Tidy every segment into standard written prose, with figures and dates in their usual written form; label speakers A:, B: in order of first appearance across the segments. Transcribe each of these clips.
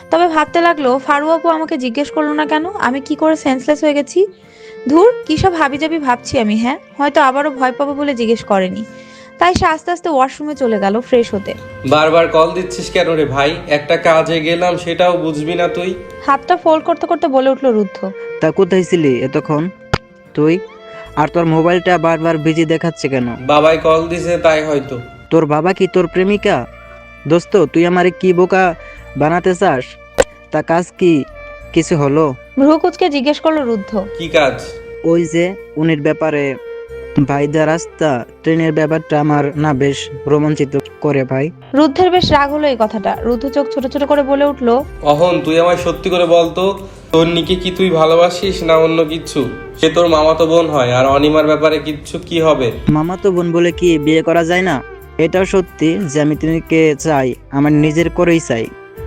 A: তবে ভাবতে লাগলো ফারু আপু আমাকে জিজ্ঞেস করলো না কেন, আমি কি করে সেন্সলেস হয়ে গেছি। ধুর, কি সব হাবিজাবি ভাবছি আমি। হ্যাঁ, হয়তো আবারও ভয় পাবো বলে জিজ্ঞেস করেনি। তাই সে আস্তে আস্তে ওয়াশরুমে চলে গেল ফ্রেশ হতে।
B: বারবার কল দিচ্ছিস কেন রে ভাই? একটা কাজে গেলাম, সেটাও বুঝবি না তুই?
A: হাতটা ফোল্ড করতে করতে বলে উঠল রুদ্ধ।
C: তা কোথায় ছিলি এতক্ষণ তুই? আর তোর মোবাইলটা বারবার বিজি দেখাচ্ছে কেন?
B: বাবাই কল দিছে তাই হয়তো।
C: তোর বাবা কি তোর প্রেমিকা? দোস্ত, তুই আমারে কি বোকা বানাতে চাস? তা কাজ কি কিছু হলো?
A: ভ্রু কুচকে জিজ্ঞেস করলো রুদ্ধ।
B: কি কাজ?
C: ওই যে উনির ব্যাপারে। ভাইদা রাস্তা ট্রেনের ব্যাপারটা আমার না বেশ রোমাঞ্চিত করে ভাই।
A: রুদ্ধের বেশ রাগ হলো এই কথাটা। রুদ্ধ চোখ ছোট ছোট করে বলে উঠল।
B: অহন, তুই আমায় সত্যি করে বলতো, তন্নিকে কি তুই ভালোবাসিস না অন্য কিছু? সে তোর মামাতো বোন হয়, আর অনিমার ব্যাপারে কিচ্ছু কি হবে?
C: মামাতো বোন বলে কি বিয়ে করা যায় না? এটাও সত্যি যে আমি তুমিকে চাই, আমার নিজের করেই চাই।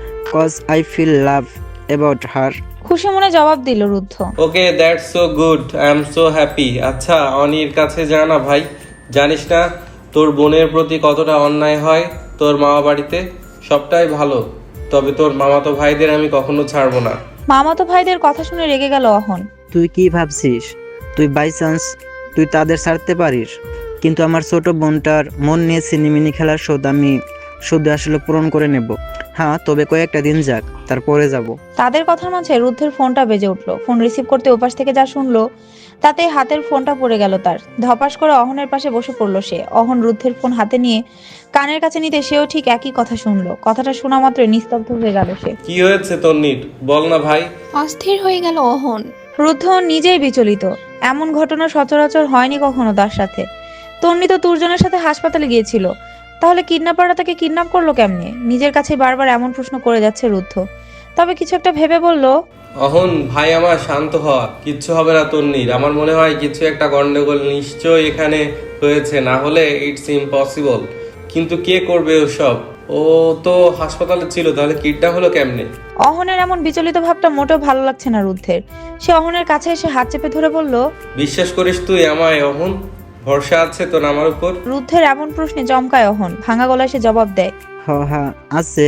C: Cause I feel love about her.
A: খুশি মনে জবাব দিল রুদ্ধ।
B: ওকে, that's so good, I am so happy. আচ্ছা, অনির কাছে যা না ভাই। জানিস না তোর বোনের প্রতি কতটা অন্যায় হয় তোর মামা বাড়িতে? সবটাই ভালো, তবে তোর মামাতো ভাইদের আমি কখনো ছাড়বো না।
A: মামাতো ভাইদের কথা শুনে রেগে গেল অহন।
C: তুই কি ভাবছিস তুই বাই চান্স তুই তাদের ছাড়তে পারিস? কিন্তু আমার ছোট বোনটার মন নিয়ে সিনেমিনি খেলার শোধ আমি শুধু আসলে পূরণ করে নেব। হ্যাঁ, তবে কয়েকটা দিন যাক, তারপরে যাব।
A: তাদের কথার মাঝে রুদ্ধের ফোনটা বেজে উঠলো। ফোন রিসিভ করতে ওপাশ থেকে যা শুনলো তাতে হাতের ফোনটা পড়ে গেল তার। ধপাস করে অহনের পাশে বসে পড়লো সে। অহন রুদ্ধের ফোন হাতে নিয়ে কানের কাছে নিতে সেও ঠিক একই কথা শুনলো। কথাটা শোনা মাত্র নিস্তব্ধ হয়ে গেল সে।
B: কি হয়েছে তন্নির, বল না ভাই।
D: অস্থির হয়ে গেল অহন।
A: রুদ্ধ নিজেই বিচলিত। এমন ঘটনা সচরাচর হয়নি কখনো তার সাথে। তন্নি তো তুর্জনের সাথে হাসপাতালে গিয়েছিল, তাহলে কিডন্যাপাররা তাকে কিডন্যাপ করলো কেমনে? নিজের কাছে বারবার এমন প্রশ্ন করে যাচ্ছে রুদ্ধ। তবে কিছু একটা ভেবে বলল।
B: অহন ভাই আমার, শান্ত হ, কিচ্ছু হবে না তন্নির। আমার মনে হয় কিছু একটা গন্ডগোল নিশ্চয় এখানে হয়েছে, না হলে ইটস ইম্পসিবল। কিন্তু কে করবে ওসব? ও তো হাসপাতালে ছিল, তাহলে কিডন্যাপ হলো কেমনে?
A: অহনের এমন বিচলিত ভাবটা মোটেও ভালো লাগছে না রুদ্ধের। সে অহনের কাছে এসে হাত চেপে ধরে বলল।
B: বিশ্বাস করিস তুই আমায় অহন? ভরসা আছে তোর আমার উপর?
A: রুদ্ধের এমন প্রশ্নে চমকায় অহন। ভাঙা গলায় সে জবাব দেয়।
C: হ্যাঁ আছে,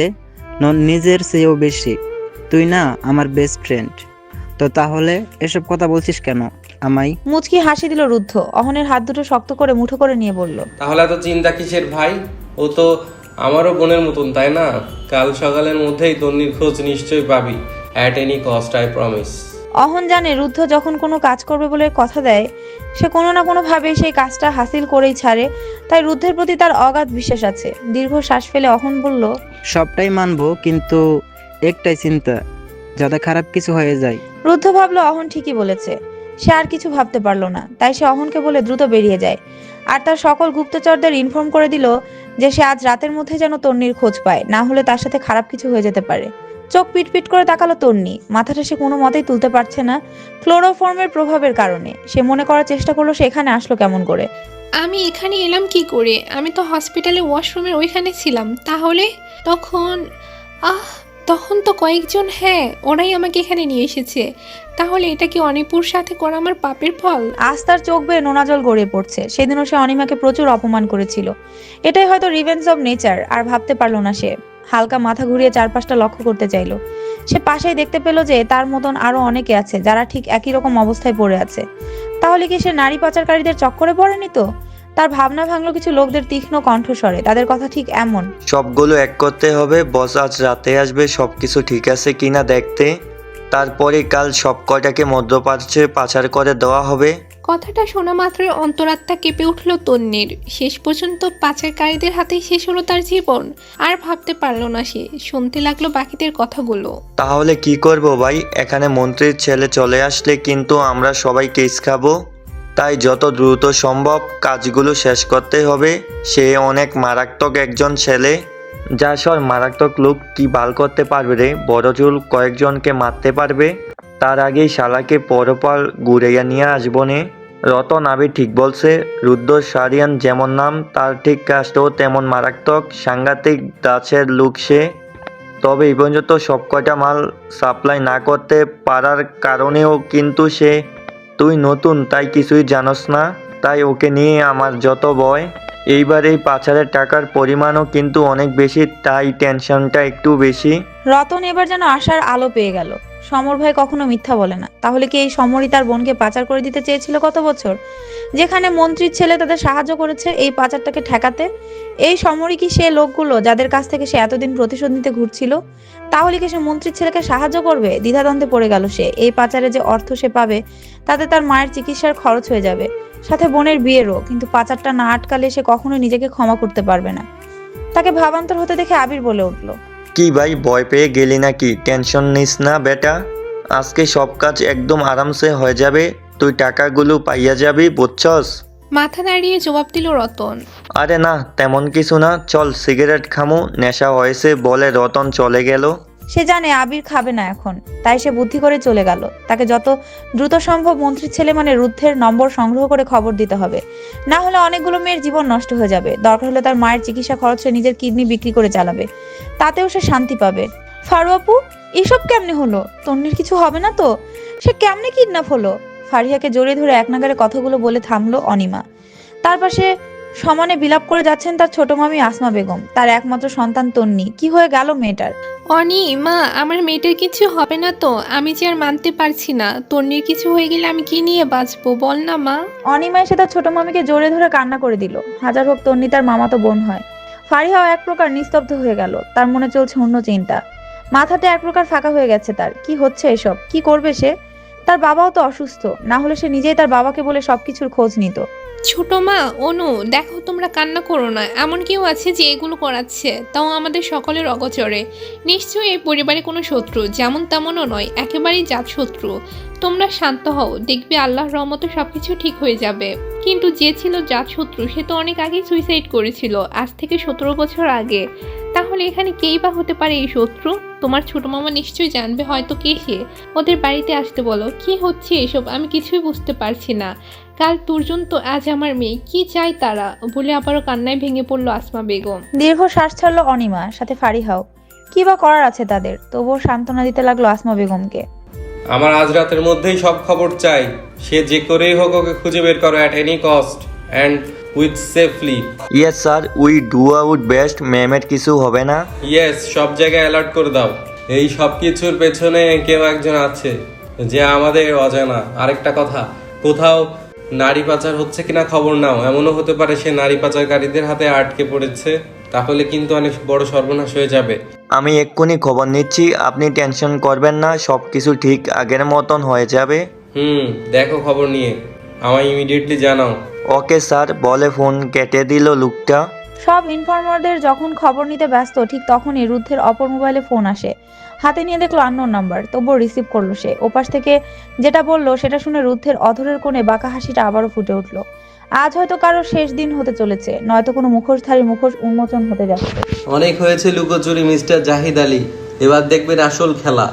C: নিজের চেয়েও বেশি। তুই না আমার বেস্ট ফ্রেন্ড। তো তাহলে এসব কথা বলছিস কেন আমায়?
A: মুচকি হাসি দিল রুদ্ধ। অহনের হাত দুটো শক্ত করে মুঠো করে নিয়ে বলল।
B: তাহলে এত চিন্তা কিসের ভাই? ও তো আমারও বোনের মতন, তাই না? কাল সকালের মধ্যেই তন্নির খোঁজ নিশ্চয়ই পাবি, at any cost, I promise.
A: Ahan জানে রুদ্ধ যখন কোনো কাজ করবে বলে কথা দেয়, সে কোনো না কোনো ভাবে সেই কাজটা হাসিল করেই ছাড়ে। তাই রুদ্ধের প্রতি তার অগাধ বিশ্বাস আছে। দীর্ঘ শ্বাস ফেলে অহন বলল।
C: সবটাই মানবো, কিন্তু একটাই চিন্তা, যাতে খারাপ কিছু হয়ে যায়।
A: রুদ্ধ ভাবলো অহন ঠিকই বলেছে। সে আর কিছু ভাবতে পারলো না। তাই সে অহনকে বলে দ্রুত বেরিয়ে যায়। আর তার সকল গুপ্তচরদের ইনফর্ম করে দিল যে সে আজ রাতের মধ্যে যেন তন্নির খোঁজ পায়, না হলে তার সাথে খারাপ কিছু হয়ে যেতে পারে। চোখ পিটপিট করে তাকালো তন্নি। মাথাটা সে কোনো মতেই তুলতে পারছে না ক্লোরোফর্মের প্রভাবের কারণে। সে মনে করার চেষ্টা করলো সে এখানে আসলো কেমন করে।
D: আমি এখানে এলাম কি করে? আমি তো হসপিটালে ওয়াশরুমের ওইখানে ছিলাম। তাহলে তখন আহ তখন তো কয়েকজন, হ্যাঁ ওরাই আমাকে এখানে নিয়ে এসেছে। তাহলে এটা কি অনিপুর সাথে করা আমার পাপের ফল?
A: আজ তার চোখ বেয়ে নোনা জল গড়িয়ে পড়ছে। সেদিনও সে অনিমাকে প্রচুর অপমান করেছিল। এটাই হয়তো রিভেঞ্জ অব নেচার। আর ভাবতে পারলো না সে। হালকা মাথা ঘুরিয়ে চারপাশটা লক্ষ্য করতে চাইলো। সে পাশেই দেখতে পেল যে তার মতন আরো অনেকে আছে যারা ঠিক একই রকম অবস্থায় পড়ে আছে। তাহলে কি সে নারী পাচারকারীদের চক্করে পড়েনি তো? তার ভাবনা ভাঙলো কিছু লোকদের তীক্ষ্ণ কণ্ঠস্বরে। তাদের কথা ঠিক এমন।
E: সবগুলো এক করতে হবে, বস আজ রাতে আসবে সবকিছু ঠিক আছে কিনা দেখতে। তারপরে কাল সব কয়টাকে মধ্যপ্রাচ্যে পাচার করে দেওয়া হবে।
D: কথাটা শোনা মাত্রই অন্তরাত্মা কেঁপে উঠল তন্নির। শেষ পর্যন্ত পাচারকারীদের হাতেই শেষ হলো তার জীবন। আর ভাবতে পারল না সে। শুনতে লাগলো বাকিদের কথাগুলো।
E: তাহলে কি করব ভাই? এখানে মন্ত্রীর ছেলে চলে আসলে কিন্তু আমরা সবাই কেস খাবো। তাই যত দ্রুত সম্ভব কাজগুলো শেষ করতে হবে। সে অনেক মারাত্মক একজন ছেলে। যা সর মারাত্মক লোক কি বাল করতে পারবে রে? বড় চুল কয়েকজনকে মারতে পারবে। তার আগেই শালাকে পরপাল ঘুরাইয়া নিয়ে আসবো নে। রতন আবি ঠিক বলছে, রুদ্র সারিয়ান যেমন নাম, তার ঠিক কাজটাও তেমন মারাত্মক। সাংঘাতিক দাসের লোক সে। তবে এই পর্যন্ত সব কয়টা মাল সাপ্লাই না করতে পারার কারণেও কিন্তু সে। তুই নতুন তাই কিছুই জানোস না, তাই ওকে নিয়ে আমার যত ভয়। এইবার এই পাচারের টাকার পরিমাণও কিন্তু অনেক বেশি, তাই টেনশনটা একটু বেশি।
A: রতন এবার যেন আশার আলো পেয়ে গেল। সমর ভাই কখনো মিথ্যা বলে না। তাহলে কি এই সমরই তার বোনকে পাচার করে দিতে চেয়েছিল গত বছর, যেখানে মন্ত্রীর ছেলে তাদের সাহায্য করেছে এই পাচারটাকে ঠেকাতে? এই সমরই কি সে লোকগুলো যাদের কাছ থেকে সে এতদিন প্রতিশোধ নিতে ঘুরছিল? তাহলে কি সে মন্ত্রীর ছেলেকে সাহায্য করবে? দ্বিধাদ্বন্দ্বে পড়ে গেল সে। এই পাচারে যে অর্থ সে পাবে তাতে তার মায়ের চিকিৎসার খরচ হয়ে যাবে, সাথে বোনের বিয়েরও। কিন্তু পাচারটা না আটকালে সে কখনোই নিজেকে ক্ষমা করতে পারবে না। তাকে ভাবান্তর হতে দেখে আবির বলে উঠল,
E: কি ভাই, ভয় পেয়ে গেলি নাকি? টেনশন নিস না বেটা, আজকে সব কাজ একদম আরামসে হয়ে যাবে। তুই টাকাগুলো পাইয়া যাবি, বুঝছস?
D: মাথা নাড়িয়ে জবাব দিল রতন।
E: আরে না, তেমন কিছু না, চল সিগারেট খামু, নেশা হয়েছে বলে রতন চলে গেল।
A: সে জানে আবির খাবে না এখন, তাই সে বুদ্ধি করে চলে গেল। তাকে যত দ্রুত সম্ভব মন্ত্রীর ছেলে মানে রুদ্ধের নম্বর সংগ্রহ করে খবর দিতে হবে, না হলে অনেকগুলো মেয়ের জীবন নষ্ট হয়ে যাবে। দরকার হলে তার মায়ের চিকিৎসা খরচ সে নিজের কিডনি বিক্রি করে চালাবে, তাতেও সে শান্তি পাবে। ফারু আপু, এসব কেমনে হলো? তন্নির কিছু হবে না তো? সে কেমনে কিডন্যাপ হলো? ফারিয়াকে জড়িয়ে ধরে এক নাগারে কথাগুলো বলে থামলো অনিমা। তার পাশে সমানে বিলাপ করে যাচ্ছেন তার ছোট মামি আসমা বেগম, তার একমাত্র সন্তান তন্নি। কি হয়ে গেল মেয়েটার?
D: অনি মা, আমার মেয়েটার কিছু হবে না তো? আমি যে আর মানতে পারছি না, তন্নির কিছু হয়ে গেলে আমি কি নিয়ে বাঁচবো বল না মা।
A: অনিমা এসে তার ছোট মামিকে জড়িয়ে ধরে কান্না করে দিল। হাজার হোক তন্নি তার মামাতো বোন হয়। ফারিহাও এক প্রকার নিস্তব্ধ হয়ে গেল। তার মনে চলছে অন্য চিন্তা, মাথাতে এক প্রকার ফাঁকা হয়ে গেছে। তার কি হচ্ছে এসব? কি করবে সে? তার বাবাও তো অসুস্থ, না হলে সে নিজেই তার বাবাকে বলে সবকিছুর খোঁজ নিত।
D: ছোট মা, অনু, দেখো তোমরা কান্না করো না। এমন কেউ আছে যে এগুলো করাচ্ছে, তাও আমাদের সকলের অগোচরে। নিশ্চয়ই এই পরিবারে কোনো শত্রু যেমন তেমনও নয়, একেবারেই জাত শত্রু। তোমরা শান্ত হও, দেখবে আল্লাহর রহমতে সবকিছু ঠিক হয়ে যাবে। কিন্তু যে ছিল জাত শত্রু সে তো অনেক আগেই সুইসাইড করেছিল, আজ থেকে 17 বছর আগে। তাহলে এখানে কেই বা হতে পারে এই শত্রু? তোমার ছোট মামা নিশ্চয়ই জানবে হয়তো কে সে। ওদের বাড়িতে আসতে বলো। কি হচ্ছে এসব? আমি কিছুই বুঝতে পারছি না। কাল তুর্জন তো আজ আমার মেয়ে, কি চাই তারা? বলে আবারও কান্নায় ভেঙে পড়লো আসমা বেগম।
A: দীর্ঘ শ্বাস ছাড়লো অনিমা, সাথে ফারিহাও। কি বা করার আছে তাদের? তবুও সান্ত্বনা দিতে লাগলো আসমা বেগমকে।
B: আমার আজ রাতের মধ্যেই সব খবর চাই। সে যে করেই হোক ওকে খুঁজে বের করো at any cost and with safely.
E: Yes sir, we do out best. ম্যামের কিছু হবে না?
B: ইয়েস, সব জায়গায় অ্যালার্ট করে দাও। এই সব কিছুর পেছনে কেউ একজন আছে যে আমাদের অজানা। আরেকটা কথা, কোথাও নারী পাচার হচ্ছে কিনা খবর নাও। এমনও হতে পারে সে নারী পাচারকারীদের হাতে আটকে পড়েছে, তাহলে কিন্তু অনেক বড় সর্বনাশ হয়ে যাবে।
E: আমি এক্ষুনি খবর নিচ্ছি, আপনি টেনশন করবেন না, সব কিছু ঠিক আগের মতন হয়ে যাবে।
B: দেখো খবর নিয়ে আমায় ইমিডিয়েটলি জানাও।
E: ওকে স্যার, বলে ফোন কেটে দিল লোকটা।
A: সব ইনফর্মারদের যখন খবর নিতে ব্যস্ত, ঠিক তখনই রুদ্ধের অপর মোবাইলে ফোন আসে। হাতে নিয়ে দেখলো আননোন নাম্বার, তবুও রিসিভ করলো সে। ওপাশ থেকে যেটা বললো সেটা শুনে রুদ্ধের অধরের কোণে বাঁকা হাসিটা আবারও ফুটে উঠলো। আজ হয়তো কারো শেষ দিন হতে চলেছে, নয়তো কোনো মুখোশধারী মুখোশ উন্মোচন হতে যাচ্ছে।
B: অনেক হয়েছে লুকোচুরি মিস্টার জাহিদ আলী, এবার দেখবেন আসল খেলা।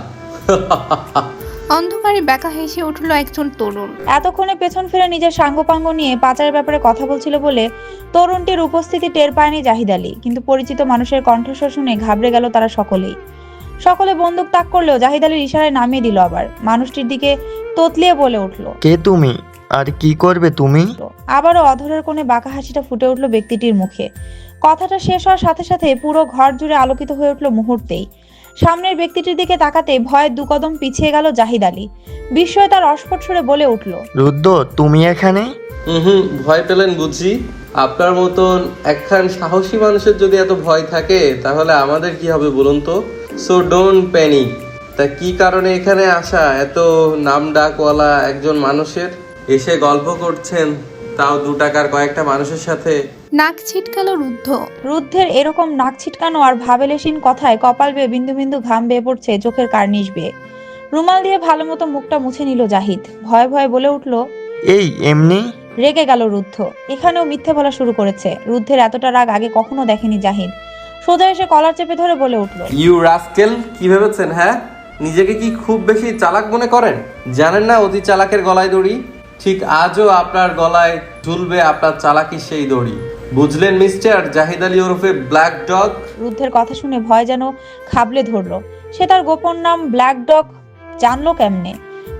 D: অন্ধকারে ব্যাকা হেসে উঠলো একজন তরুণ।
A: এতক্ষণে পেছন ফিরে নিজের সাঙ্গপাঙ্গ নিয়ে পাচারের ব্যাপারে কথা বলছিল বলে তরুণটির উপস্থিতি টের পায়নি জাহিদ আলী। কিন্তু পরিচিত মানুষের কণ্ঠস্বর শুনে ঘাবড়ে গেল তারা সকলেই। সকলে বন্দুক তাক করলেও জাহিদ আলীর ইশারায় নামিয়ে দিল। আবার মানুষটির দিকে তোতলিয়ে বলে উঠলো,
E: কে তুমি, আর কি করবে তুমি?
A: আবারও অধরের কোণে বাঁকা হাসিটা ফুটে উঠলো ব্যক্তিটির মুখে। কথাটা শেষ হওয়ার সাথে সাথে পুরো ঘর জুড়ে আলোকিত হয়ে উঠলো মুহূর্তেই। সামনের ব্যক্তিটির দিকে তাকাতে ভয়ে দুকদম পিছিয়ে গেল জাহিদ আলী। বিস্ময়ে তার অস্ফুট সুরে বলে উঠল,
E: রুদ্র, তুমি এখানে?
B: ভয় পেলেন বুঝি? আপনার মতন একখান সাহসী মানুষের যদি এত ভয় থাকে তাহলে আমাদের কি হবে বলুন তো? So don't panic. তা কি কারণে এখানে আসা এত নাম ডাকওয়ালা একজন মানুষের? এসে গল্প করছেন, তাও 2 টাকার কয়েকটা মানুষের সাথে।
D: নাক ছিটকালো রুদ্ধ।
A: রুদ্ধের এরকম নাক ছিটকানো আর ভাবেলেশীন কথায় কপাল বেয়ে বিন্দু বিন্দু ঘাম বেয়ে পড়ছে চোখের কার্নিশ বেয়ে। রুমাল দিয়ে ভালো মতো মুখটা মুছে নিল জাহিদ। ভয়ে ভয়ে বলে উঠল,
E: এই এমনি?
A: রেগে গেল রুদ্ধ। এখানেও মিথ্যে বলা শুরু করেছে। রুদ্ধের এতটা রাগ আগে কখনো দেখেনি জাহিদ। সোজা এসে কলার চেপে ধরে বলে উঠল,
B: ইউ রাস্কেল, কি ভেবেছেন? হ্যাঁ, নিজেকে কি খুব বেশি চালাক মনে করেন? জানেন না অতি চালাকের গলায় দড়ি? ঠিক আজও আপনার গলায় ঝুলবে আপনার চালাকির সেই দড়ি। বুঝলেন মিস্টার জাহিদ আলী ওরফে ব্ল্যাক ডগ?
A: রুদ্ধের কথা শুনে ভয় যেন খাবলে ধরলো। সে তার গোপন নাম ব্ল্যাক ডগ জানলো কেমনে?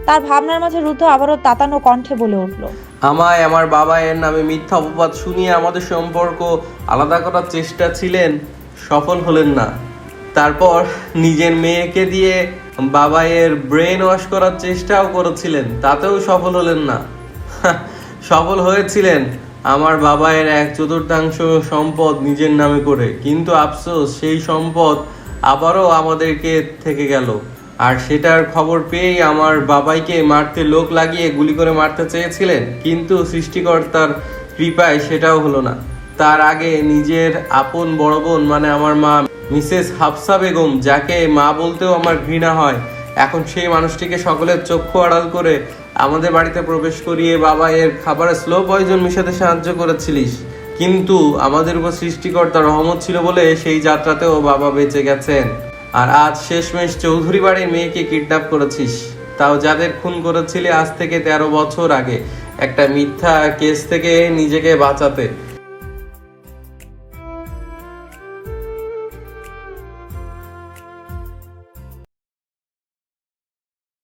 A: তার ভাবনার মাঝে রুদ্ধ আবারও তাতানো কণ্ঠে বলে উঠল,
B: আমায় আমার বাবা এর নামে মিথ্যা অপবাদ শুনিয়ে আমাদের সম্পর্ক আলাদা করার চেষ্টা ছিলেন, সফল হলেন না। তারপর নিজের মেয়েকে দিয়ে বাবা এর ব্রেন ওয়াশ করার চেষ্টাও করেছিলেন, তাতেও সফল হলেন না। সফল হয়েছিলেন আমার বাবা এর 1/4 সম্পদ নিজের নামে করে, কিন্তু আফসোস সেই সম্পদ আবারও আমাদেরকে থেকে গেল। আর সেটার খবর পেয়েই আমার বাবাইকে মারতে লোক লাগিয়ে গুলি করে মারতে চেয়েছিলেন, কিন্তু সৃষ্টিকর্তার কৃপায় সেটাও হলো না। তার আগে নিজের আপন বড় বোন মানে আমার মা মিসেস হাফসা বেগম, যাকে মা বলতেও আমার ঘৃণা হয়, এখন সেই মানুষটিকে সকলের চক্ষু আড়াল করে আমাদের বাড়িতে প্রবেশ করিয়ে বাবা এর খাবারে স্লো পয়জন মিশাতে সাহায্য করেছিলিস। কিন্তু আমাদের উপর সৃষ্টিকর্তার রহমত ছিল বলে সেই যাত্রাতেও বাবা বেঁচে গেছেন। আর আজ শেষমেশ চৌধুরী বাড়ির মেয়েকে কিডন্যাপ করেছিস, তাও যাদের খুন করেছিলি আজ থেকে 13 বছর আগে একটা মিথ্যা কেস থেকে নিজেকে বাঁচাতে।